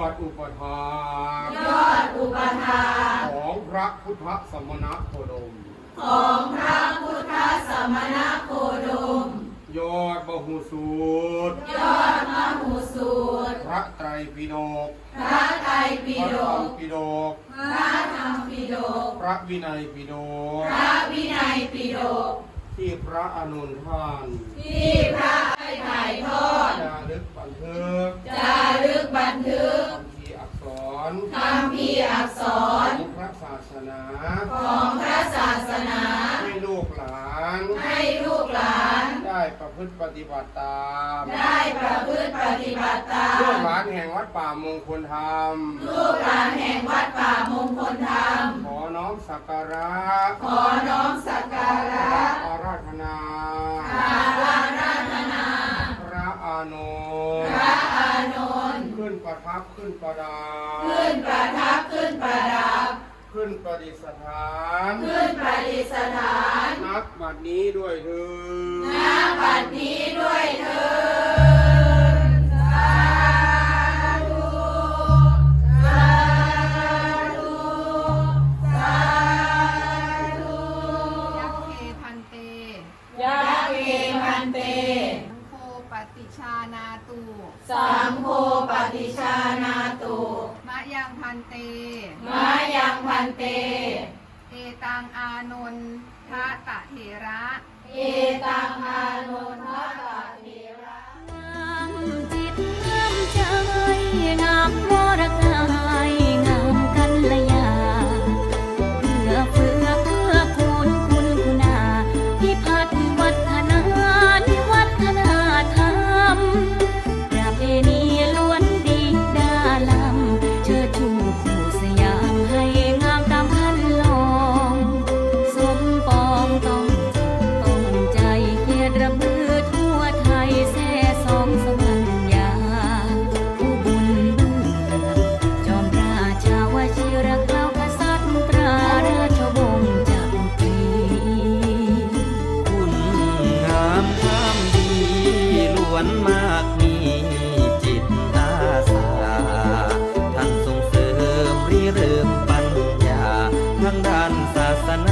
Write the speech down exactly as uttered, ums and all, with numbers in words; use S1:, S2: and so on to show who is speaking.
S1: อดอุปถาก
S2: ยอดอุปถา
S1: ของพระพุทธสมณโคดม
S2: ของพระพุทธสมณโคดม
S1: ยอดบหูสูตร
S2: ยอดมหูสูตร
S1: พระไตรปิฎก
S2: พระไตรปิฎก
S1: ปิฎก
S2: พระธรรมปิฎก
S1: พระวินัยปิฎก
S2: พระวินัยปิฎก
S1: ที่พระอานนท์ท่าน
S2: ที่พระได้ถ่ายทอด
S1: จารึกบันทึก
S2: จารึกบันทึก
S1: คำพีอักษร
S2: คำพีอักษร
S1: ของพระศาสนา
S2: ของพระศาสนา
S1: ให้ลูกหลาน
S2: ให้ลูกหลาน
S1: ได้ประพฤติปฏิบัติตาม
S2: ได้ประพฤติปฏิบัติตาม
S1: ลูกหลานแห่งวัดป่ามงคลธรรม
S2: ลูกหลานแห่งวัดป่ามงคลธรรม
S1: ขอน้อมสักการะ
S2: ขอน้อมสักการะ
S1: อาราธนา
S2: อาราธนา
S1: พระอานนท์
S2: พระอานนท์
S1: ขึ้นประทับขึ้นประดับ
S2: ขึ้นประทับขึ้นประดับ
S1: ขึ้นประดิษฐาน
S2: ขึ้นประดิษฐาน
S1: นับบัดนี้ด้วยเถิด
S2: นับบัดนี้ด้วยเถิดสาธุสาธุสาธุ
S3: ยักเกพันเต
S2: ยักเกพันเต
S3: สังโฆปฏิชานาตุ
S2: สังโฆปฏิชานาตุ
S3: มะยังพันเต
S2: มะยังพันเต
S3: เอตังอานนทะตะเถระ
S2: เอตังอานนทะตะเถระ
S4: งามจิตงามใจงามวรกายงามกัลยาเพื่อเฟื่อเพื่อคูณคุณคุณาพิพัฒน์วัฒนานิวัฒนาธรรมประเพณีล้วนดีดาลำเชิดชูคู่สยามให้งามตามคันลองสมปองต้องต้องใจเกียรติระบือทั่วไทยแซ่สองสวรรยาผู้บุญเบื้องจอมราชาวชิรเกล้ากษัตริย์ตราราชวงศ์จักรี
S5: คุณงามความดีล้วนมากมีจิตอาสาท่านส่งเสริมริเริ่มปัญญาทางด้านศาสนา